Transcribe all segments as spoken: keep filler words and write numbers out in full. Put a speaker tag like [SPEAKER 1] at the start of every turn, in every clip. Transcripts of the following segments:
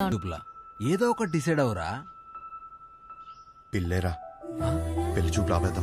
[SPEAKER 1] దుబ్లా ఏదో ఒకటి డిసైడ్ అవరా.
[SPEAKER 2] పిల్లేరా పెళ్లి చూపు రాబేద్దాం.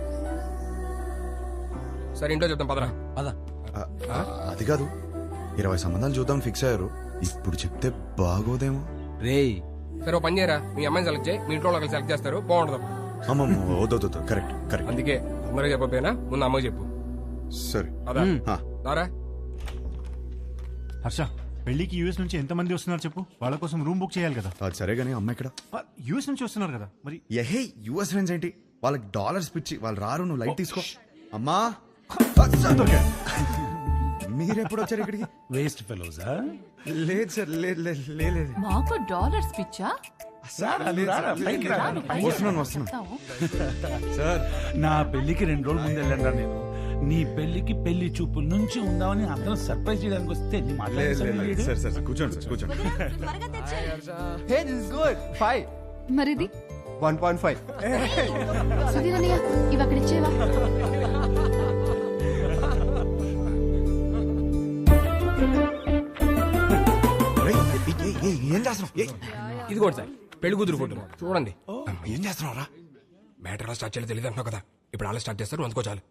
[SPEAKER 3] సరే ఇంట్లో చెప్తాం పదరా.
[SPEAKER 1] పద.
[SPEAKER 2] అది కాదు, ఇరవై సంబంధాలు చూద్దాం ఫిక్స్ అయ్యారు. ఇప్పుడు చెప్తే బాగోదేమో.
[SPEAKER 1] రేయ్
[SPEAKER 3] సరే ఓ పని చేయరా, మీ అమ్మాయిని సెలెక్ట్ చేయి, మీ ఇంట్లో వాళ్ళకి సెలెక్ట్ చేస్తారు, బాగుంటుంది.
[SPEAKER 2] అమ్మమ్మ వద్దొద్దు, కరెక్ట్ కరెక్ట్.
[SPEAKER 3] అందుకే అందరూ చెప్పకపోయినా ముందు అమ్మకి చెప్పు.
[SPEAKER 2] సరే
[SPEAKER 3] అదా
[SPEAKER 2] ఆ,
[SPEAKER 3] దారా.
[SPEAKER 4] హర్ష, పెళ్లికి యూఎస్ నుంచి ఎంత మంది వస్తున్నారు చెప్పు. వాళ్ళ కోసం రూమ్ బుక్ చేయాలి కదా.
[SPEAKER 2] అది సరే గానీ అమ్మ ఇక్కడ.
[SPEAKER 4] యూఎస్ నుంచి వస్తున్నారు కదా మరి.
[SPEAKER 2] ఎహే యుఎస్ ఫ్రెండ్స్ ఏంటి, వాళ్ళకి డాలర్స్ పిచ్చి, వాళ్ళు రారు. నువ్వు లైట్ తీసుకో. అమ్మా మీరెప్పుడు వచ్చారు ఇక్కడికి?
[SPEAKER 5] వేస్ట్ ఫెలోజా?
[SPEAKER 2] లేదు సార్, లేదు లేదు లేదు.
[SPEAKER 6] మాకు డాలర్స్ పిచ్చా?
[SPEAKER 2] వస్తున్నాను వస్తున్నాను
[SPEAKER 5] సార్, నా పెళ్లికి రెండు రోజులు ముందు వెళ్ళండి నేను. నీ పెళ్లికి పెళ్లి చూపుల నుంచి ఉందామని అందరం సర్ప్రైజ్ చేయడానికి వస్తే నీ మాట్లాడలేదు.
[SPEAKER 2] సార్ సార్ కూర్చోండి సార్ కూర్చోండి.
[SPEAKER 7] Hey, this is good. Five.
[SPEAKER 6] మరిది
[SPEAKER 7] one point five.
[SPEAKER 6] సుధీరన్నయ్య ఇవి అక్కడ ఇచ్చేవా?
[SPEAKER 2] ఏం చేస్తున్నావు?
[SPEAKER 3] ఇది కూడా సార్ పెళ్లి కూతురు ఫోటో చూడండి.
[SPEAKER 2] ఏం చేస్తున్నావు రా?
[SPEAKER 3] మ్యాటర్ ఎలా స్టార్ట్ చేయాలో తెలియదు అంటున్నావు కదా, ఇప్పుడు అలా స్టార్ట్ చేస్తారు, అందుకో చాలు.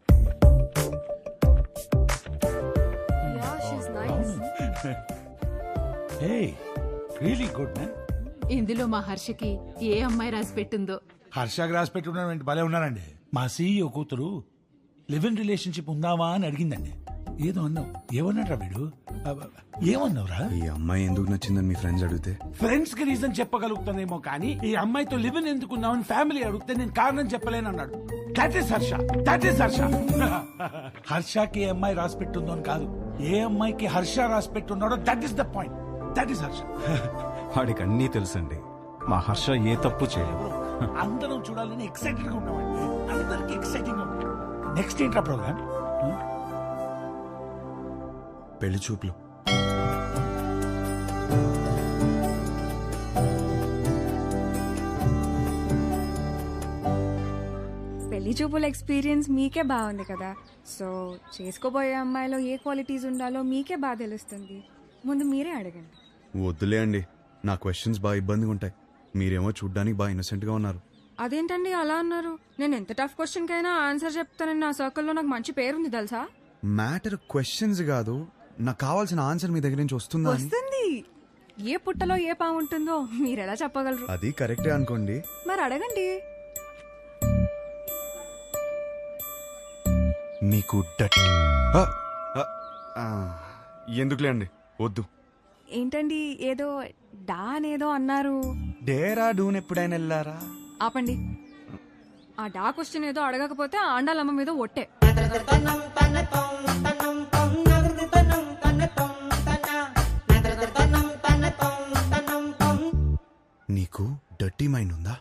[SPEAKER 5] Hey, really good man.
[SPEAKER 6] ఇందులో మా హర్షకి ఏ అమ్మాయి రాసి పెట్టిందో.
[SPEAKER 5] హర్షకి రాసి పెట్టుకున్న భలే ఉన్నారండి. మా సీఈఓ కూతురు లివ్ ఇన్ రిలేషన్షిప్ ఉందావా అని అడిగిందండి. ఏదో అన్నావు, ఏమన్నాడ్రా వీడు? ఏమన్నావురా?
[SPEAKER 2] ఈ అమ్మాయి ఎందుకు నచ్చిందని మీ ఫ్రెండ్స్ అడిగితే
[SPEAKER 5] ఫ్రెండ్స్ కి రీజన్ చెప్పగలుగుతానేమో కానీ ఈ అమ్మాయితో లివ్ ఇన్ ఎందుకున్నావని ఫ్యామిలీ అడిగితే నేను కారణం చెప్పలేను అన్నాడు. That is Harsha, that is Harsha. హర్షకి ఏ అమ్మాయి రాసి పెట్టుందో అని కాదు, ఏ అమ్మాయికి హర్ష రాసి పెట్టున్నాడో that is the point. That is Harsha.
[SPEAKER 8] వాడికి అన్నీ తెలుసండి, మా హర్ష ఏ తప్పు చేయదు.
[SPEAKER 5] అందరం చూడాలని ఎక్సైటెడ్ గా ఉన్నామండి. అందరికి ఎక్సైటింగ్ గా ఉంది. నెక్స్ట్ ఏంట్రా ప్రోగ్రామ్?
[SPEAKER 2] పెళ్లి చూపులు.
[SPEAKER 9] పెళ్లి చూపుల ఎక్స్పీరియన్స్ మీకే బాగుంది కదా, సో చేసుకోబోయే అమ్మాయిలో ఏ క్వాలిటీస్ ఉండాలో మీకే బాగా తెలుస్తుంది. ముందు మీరే అడగండి.
[SPEAKER 2] వద్దులే అండి, నా క్వశ్చన్స్ బాగా ఇబ్బందిగా ఉంటాయి. మీరేమో చూడ్డానికి బాగా ఇన్నోసెంట్ గా ఉన్నారు.
[SPEAKER 9] అదేంటండి అలా అన్నారు? నేను ఎంత టఫ్ క్వశ్చన్ కైనా ఆన్సర్ చెప్తానని నా సర్కిల్లో నాకు మంచి పేరుంది తెలుసా.
[SPEAKER 2] మ్యాటర్ క్వశ్చన్స్ కాదు, నాకు కావాల్సిన ఆన్సర్ మీ దగ్గర నుంచి వస్తుందా అని.
[SPEAKER 9] వస్తుంది. ఏ పుట్టలో ఏ పాము ఉంటుందో మీరెలా చెప్పగలరు?
[SPEAKER 2] అది కరెక్టే అనుకోండి.
[SPEAKER 9] మరి అడగండి.
[SPEAKER 2] మీకు డట్ ఎందుకులే అండి, వద్దు.
[SPEAKER 9] ఏంటండి ఏదో డా అనేదో అన్నారు?
[SPEAKER 2] డేరా డూన్ ఎప్పుడైనా వెళ్ళారా?
[SPEAKER 9] ఆపండి. ఆ డా క్వశ్చన్ ఏదో అడగకపోతే ఆండాలమ్మ మీద ఒట్టే.
[SPEAKER 2] నీకు డర్టీ మైండ్ ఉందా?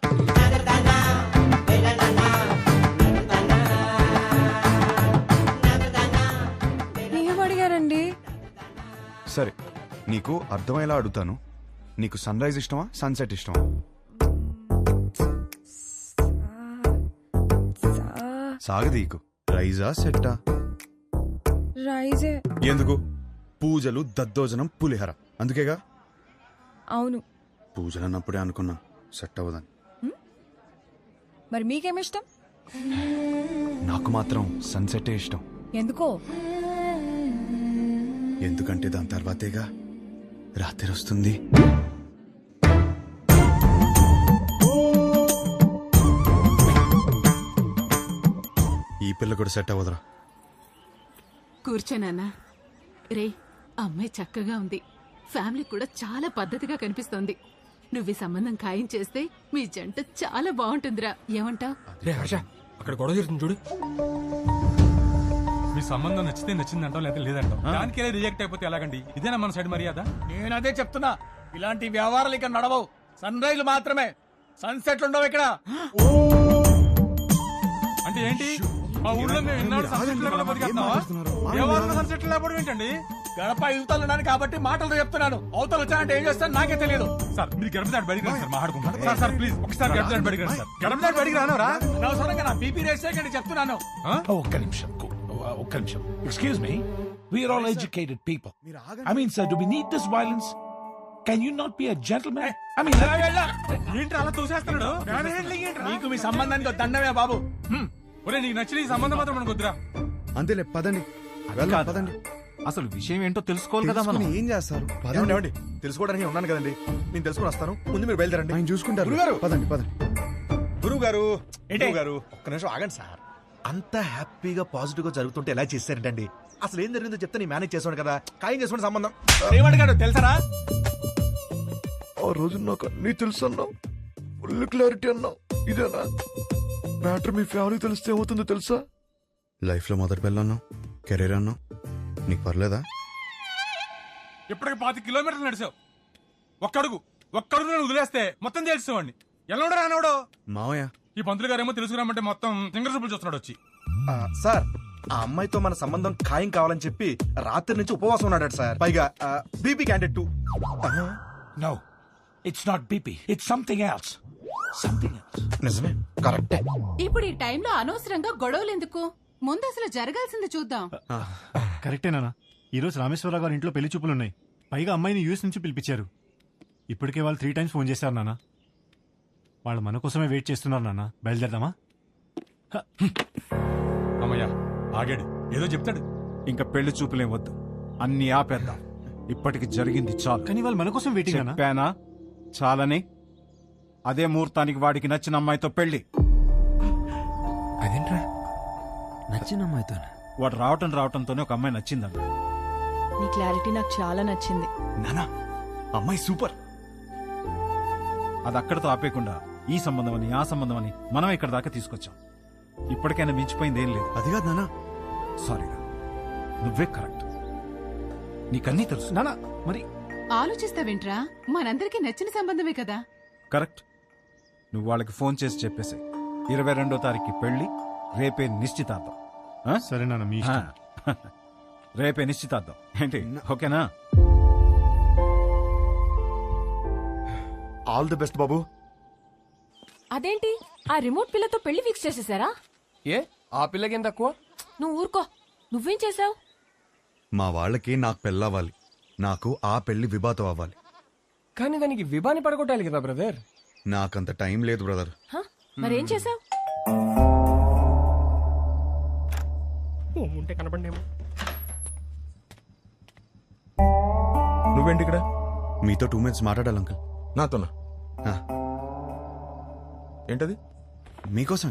[SPEAKER 9] ఏం అడిగారండి?
[SPEAKER 2] సరే, నీకు అర్థమయ్యేలా అడుగుతాను. నీకు సన్ రైజ్ ఇష్టమా, సన్సెట్ ఇష్టమా? సాగదీకు. రైజా సెట్టా?
[SPEAKER 9] రైజే.
[SPEAKER 2] ఎందుకు? పూజలు, దద్దోజనం, పులిహర, అందుకేగా.
[SPEAKER 9] అవును.
[SPEAKER 2] పూజలు అన్నప్పుడే అనుకున్నా సెట్ అవ్వదని.
[SPEAKER 9] మరి మీకేమిష్టం?
[SPEAKER 2] నాకు మాత్రం సన్సెటే ఇష్టం.
[SPEAKER 9] ఎందుకో?
[SPEAKER 2] ఎందుకంటే దాని తర్వాతేగా రాత్రి వస్తుంది. ఈ పిల్ల కూడా సెట్ అవ్వదురా.
[SPEAKER 6] కూర్చోనన్నా. రే, అమ్మాయి చక్కగా ఉంది, ఫ్యామిలీ కూడా చాలా పద్ధతిగా కనిపిస్తోంది. నువ్వు ఈ సంబంధం ఖాయం చేస్తే మీ జంట చాలా బాగుంటుందిరా. ఏమంటావ్?
[SPEAKER 3] హర్ష అక్కడ గొడవ జరుగుతుంది చూడు.
[SPEAKER 10] మీ సంబంధం నచ్చితే నచ్చిందంటాం, లేదా లేదంటాం. దానికి రిజెక్ట్ అయిపోతే ఎలాగండి? ఇదేనా మన సైడ్ మర్యాద?
[SPEAKER 7] నేను అదే చెప్తున్నా, ఇలాంటి వ్యవహారాలు ఇక్కడ నడవవు. సన్ రైజ్ మాత్రమే, సన్సెట్లు ఉండవు ఇక్కడ.
[SPEAKER 10] అంటే ఏంటి? మా ఊళ్ళో మేము ఎన్నాళ్ళు సన్సెట్ లేకుండా బతికేస్తున్నావా? వ్యవహారంలో సన్సెట్ లేకపోవడం ఏంటండి?
[SPEAKER 7] గడప యువతలున్నాను కాబట్టి మాటలు చెప్తున్నాను. అవతలు వచ్చానంటే ఏం చేస్తాను నాకే తెలియదు.
[SPEAKER 10] సార్ మీరు గడప దాటి బడికి రండి సార్, మాట్లాడుకుంటాం. సార్ సార్ ప్లీజ్ ఒకసారి గడప దాటి బడికి రండి సార్. గడప దాటి బడికి రానవరా?
[SPEAKER 7] అనవసరంగా నా బీపీ రేస్ చేయకండి చెప్తున్నాను.
[SPEAKER 5] ఒక్క నిమిషం, ఒక్క నిమిషం. Excuse me, we're all educated people. I mean sir, do we need this violence? Can you not be a gentleman? I mean
[SPEAKER 10] ఏంటి అలా తోసేస్తున్నాడు? మ్యాన్ హ్యాండ్లింగ్ ఏంట్రా?
[SPEAKER 7] నీకు మీ సంబంధానికి ఒక దండమే బాబు.
[SPEAKER 10] హ్మ్. ఒరే నీకు నచ్చిన ఈ సంబంధం మాత్రం మనకు వద్దురా.
[SPEAKER 2] అంతేలే పదండి
[SPEAKER 8] అది
[SPEAKER 2] వెళ్దాం,
[SPEAKER 8] కాదు.
[SPEAKER 2] పదండి
[SPEAKER 8] అసలు విషయం ఏంటో తెలుసుకోవాలి కదా మనం.
[SPEAKER 2] తెలుసుకుని ఏం చేస్తారు
[SPEAKER 11] ఏమండి,
[SPEAKER 2] పదండి
[SPEAKER 11] ఏమండి? తెలుసుకోవడానికి ఉన్నాను కదండి, నేను తెలుసుకుని వస్తాను. ముందు మీరు బయలుదేరండి.
[SPEAKER 2] ఆయన చూసుకుంటారు
[SPEAKER 11] గురుగారు!
[SPEAKER 2] పదండి పదండి
[SPEAKER 11] గురువు గారు
[SPEAKER 7] ఏంటి?
[SPEAKER 11] గురువు గారు ఒక్క నిమిషం ఆగండి సార్. అంత హ్యాపీగా పాజిటివ్ గా జరుగుతుంటే ఎలా చేశారంటండి? అసలు ఏం జరిగిందో చెప్తే నేను మేనేజ్ చేసాను కదా. ఖాయం చేసుకోండి సంబంధం.
[SPEAKER 7] ఏమడిగాడు తెలుసరా?
[SPEAKER 11] ఆ రోజు నాకు అన్నీ తెలుసు అన్నావు, ఫుల్ క్లారిటీ అన్నావు. ఇదేనా మ్యాటర్? మీ ఫ్యామిలీ తెలిస్తే ఏమవుతుందో తెలుసా?
[SPEAKER 2] లైఫ్ లో మొదటి పిల్ల అన్నావు, కెరీర్ అన్నావు, నీకు పర్లేదా?
[SPEAKER 10] ఇప్పటికి పాతి కిలోమీటర్లు నడిచావు. ఒక్కడుగు ఒక్కడుగు నేను వదిలేస్తే మొత్తం తెలుసుకోండి. ఎలా రానవడో
[SPEAKER 2] మావయ్య
[SPEAKER 10] ఈ పంతులు గారేమో తెలుసుకురామంటే మొత్తం సింగర్ చూపులు చూస్తున్నాడు వచ్చి.
[SPEAKER 11] ఆ, సార్ ఆ అమ్మాయితో మన సంబంధం ఖాయం కావాలని చెప్పి రాత్రి నుంచి ఉపవాసం ఉన్నాడు సార్. పైగా BP candidate too.
[SPEAKER 5] No, it's not BP, it's something else. Something else.
[SPEAKER 11] నిజమే, కరెక్టే.
[SPEAKER 6] ఇప్పుడు ఈ టైంలో అనవసరంగా గొడవలు ఎందుకు? ముందు అసలు జరగాల్సింది చూద్దాం.
[SPEAKER 4] కరెక్టేనా? ఈ రోజు రామేశ్వరరావు గారి ఇంట్లో పెళ్లి చూపులు ఉన్నాయి. పైగా అమ్మాయిని యూఎస్ నుంచి పిలిపించారు. ఇప్పటికే వాళ్ళు త్రీ టైమ్స్ ఫోన్ చేశారు నాన్న. వాళ్ళు మన కోసమే వెయిట్ చేస్తున్నారు నాన్న. బయలుదేరదామా?
[SPEAKER 10] అమ్మయ్యా ఆగాడు, ఏదో చెప్తాడు.
[SPEAKER 8] ఇంకా పెళ్లి చూపులేం వద్దు, అన్ని ఆపేద్దాం. ఇప్పటికి జరిగింది చాలు.
[SPEAKER 4] కానీ వాళ్ళు మన కోసం వెయిటింగ్ అన్న.
[SPEAKER 8] చెప్పానా చాలని? అదే ముహూర్తానికి వాడికి నచ్చిన అమ్మాయితో పెళ్లి.
[SPEAKER 1] అదేంట్రా నచ్చిన అమ్మాయితో?
[SPEAKER 8] వాడు రావటం రావటంతోనే ఒక అమ్మాయి నచ్చిందన్న.
[SPEAKER 9] నీ క్లారిటీ నాకు చాలా నచ్చింది.
[SPEAKER 11] నానా అమ్మాయి సూపర్.
[SPEAKER 8] అది అక్కడతో ఆపేయకుండా ఈ సంబంధం అని ఆ సంబంధం అని మనం ఇక్కడ దాకా తీసుకొచ్చాం. ఇప్పటికైనా మించిపోయింది ఏం లేదు.
[SPEAKER 2] అది కాదు నానా.
[SPEAKER 8] సారీరా, నువ్వే కరెక్ట్. నీకన్నీ తెలుసు.
[SPEAKER 4] నాన్న మరి
[SPEAKER 6] ఆలోచిస్తావేంట్రా? మనందరికీ నచ్చిన సంబంధమే కదా.
[SPEAKER 8] కరెక్ట్. నువ్వు వాళ్ళకి ఫోన్ చేసి చెప్పేసి ఇరవై రెండో తారీఖు పెళ్లి, రేపే నిశ్చితార్థం. ఆ?
[SPEAKER 4] సరే నాన్న, మీ
[SPEAKER 8] ఆ.
[SPEAKER 4] ఇష్టం.
[SPEAKER 8] రేపే నిశ్చితార్థం ఏంటి? ఓకేనా?
[SPEAKER 11] ఆల్ ది బెస్ట్ బాబు.
[SPEAKER 9] అదేంటి ఆ రిమోట్ పిల్లతో పెళ్లి ఫిక్స్ చేసేసారా?
[SPEAKER 3] ఏ ఆ పిల్లకేం తక్కువ?
[SPEAKER 9] నువ్వు ఊరుకో. నువ్వేం చేసావు?
[SPEAKER 2] మా వాళ్ళకి నాకు పెళ్ళవ్వాలి, నాకు ఆ పెళ్లి విభాతం అవ్వాలి.
[SPEAKER 3] కానీ దానికి విభాని పడగొట్టాలి కదా బ్రదర్.
[SPEAKER 2] నాకంత టైం లేదు బ్రదర్.
[SPEAKER 9] మరేం చేసావు?
[SPEAKER 3] ఉంటే కనపడేమో.
[SPEAKER 11] నువ్వేంటి ఇక్కడ?
[SPEAKER 2] మీతో టూ మినిట్స్ మాట్లాడాలి అంకుల్.
[SPEAKER 11] నాతోనా?
[SPEAKER 2] ఆ,
[SPEAKER 11] ఏంటది?
[SPEAKER 2] మీకోసం.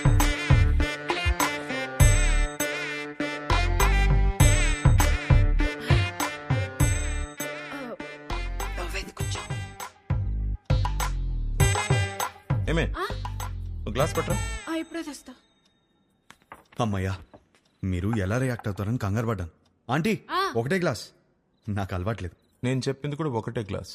[SPEAKER 11] ఏమే గ్లాస్ పట్టరా.
[SPEAKER 9] ఇప్పుడే తెస్తా.
[SPEAKER 2] అమ్మయ్యా, మీరు ఎలా రియాక్ట్ అవుతారని కంగారు పడ్డాను. ఆంటీ ఒకటే గ్లాస్, నాకు అలవాట్లేదు.
[SPEAKER 11] నేను చెప్పింది కూడా ఒకటే గ్లాస్.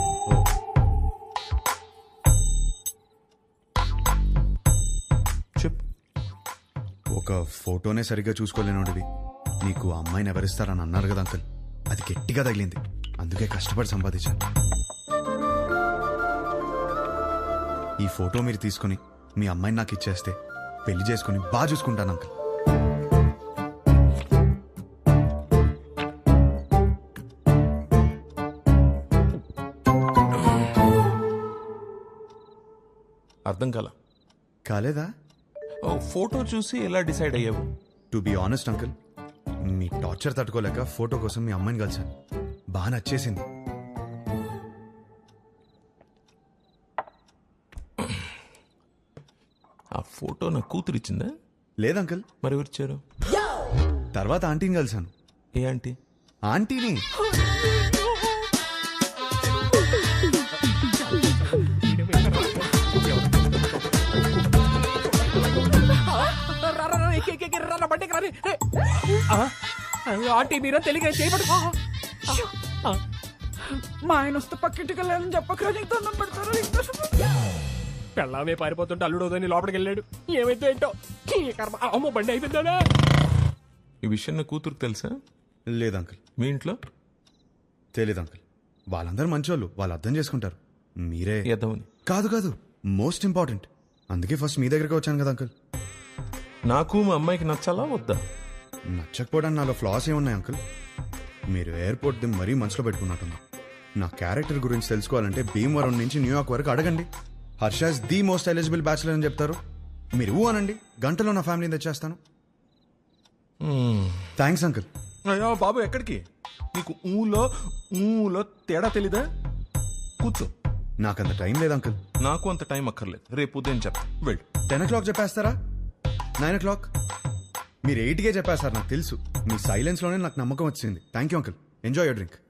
[SPEAKER 11] చెప్పు.
[SPEAKER 2] ఒక ఫోటోనే సరిగ్గా చూసుకోలేనోడివి నీకు ఆ అమ్మాయిని ఎవరిస్తారని అన్నారు కదా అంకుల్. అది గట్టిగా తగిలింది, అందుకే కష్టపడి సంపాదించాను. ఈ ఫోటో మీరు తీసుకుని మీ అమ్మాయిని నాకు ఇచ్చేస్తే పెళ్లి చేసుకుని బాగా చూసుకుంటాను అంకుల్.
[SPEAKER 11] అర్థం కాల.
[SPEAKER 2] కాలేదా?
[SPEAKER 11] ఫోటో చూసి ఎలా డిసైడ్ అయ్యావు?
[SPEAKER 2] టు బి ఆనెస్ట్ అంకుల్, మీ టార్చర్ తట్టుకోలేక ఫోటో కోసం మీ అమ్మాయిని కలిసాను. బాగా నచ్చేసింది.
[SPEAKER 11] ఆ ఫోటో నా కూతురు ఇచ్చిందా?
[SPEAKER 2] లేదంకుల్.
[SPEAKER 11] మరి ఎవరిచ్చారు?
[SPEAKER 2] తర్వాత ఆంటీని కలిసాను.
[SPEAKER 11] ఏ ఆంటీ?
[SPEAKER 2] ఆంటీని.
[SPEAKER 3] ఆంటీ మీరా తెలియక చేయబడు.
[SPEAKER 7] మా ఆయన వస్తే పక్కింటికి వెళ్ళాలని చెప్పకరా, నీకు దండం పెడతారు.
[SPEAKER 3] పెళ్ళామే పారిపోతుంటే అల్లుడోదని లోపలికి వెళ్ళాడు. ఏమైతే ఏంటో ఈ కర్మ. అమ్మో బండి అయిపోయిందా?
[SPEAKER 11] ఈ విషయం నా కూతురుకు తెలుసా?
[SPEAKER 2] లేదంకుల్.
[SPEAKER 11] మీ ఇంట్లో?
[SPEAKER 2] తెలీదు అంకుల్. వాళ్ళందరూ మంచోళ్ళు, వాళ్ళు అర్థం చేసుకుంటారు. మీరే
[SPEAKER 11] ఎదవని.
[SPEAKER 2] కాదు కాదు, మోస్ట్ ఇంపార్టెంట్. అందుకే ఫస్ట్ మీ దగ్గరికి వచ్చాను కదా అంకుల్.
[SPEAKER 11] నాకు మా అమ్మాయికి నచ్చాలా వద్దా?
[SPEAKER 2] నచ్చకపోవడానికి నాలో ఫ్లాస్ ఏమున్నాయి అంకుల్? మీరు ఎయిర్పోర్ట్ ది మరీ మనసులో పెట్టుకున్నట్టున్నా. నా క్యారెక్టర్ గురించి తెలుసుకోవాలంటే భీమవరం నుంచి న్యూయార్క్ వరకు అడగండి. Harsha's the most eligible bachelor అని చెప్తారు. మీరు ఊ అనండి, గంటలో నా ఫ్యామిలీని తెచ్చేస్తాను. Thanks uncle.
[SPEAKER 11] అయ్యో బాబు ఎక్కడికి? నీకు ఊలో ఊలో తేడా తెలీదా? కూర్చో.
[SPEAKER 2] నాకంత టైం లేదు అంకుల్.
[SPEAKER 11] నాకు అంత టైం అక్కర్లేదు, రేపు ఉదయం చెప్తా. వెళ్ళు.
[SPEAKER 2] టెన్ ఓ క్లాక్ చెప్పేస్తారా? Nine o'clock? మీరు ఎయిట్కే చెప్పేస్తారు, నాకు తెలుసు. మీ సైలెన్స్లోనే నాకు నమ్మకం వచ్చింది. Thank you uncle. Enjoy your drink.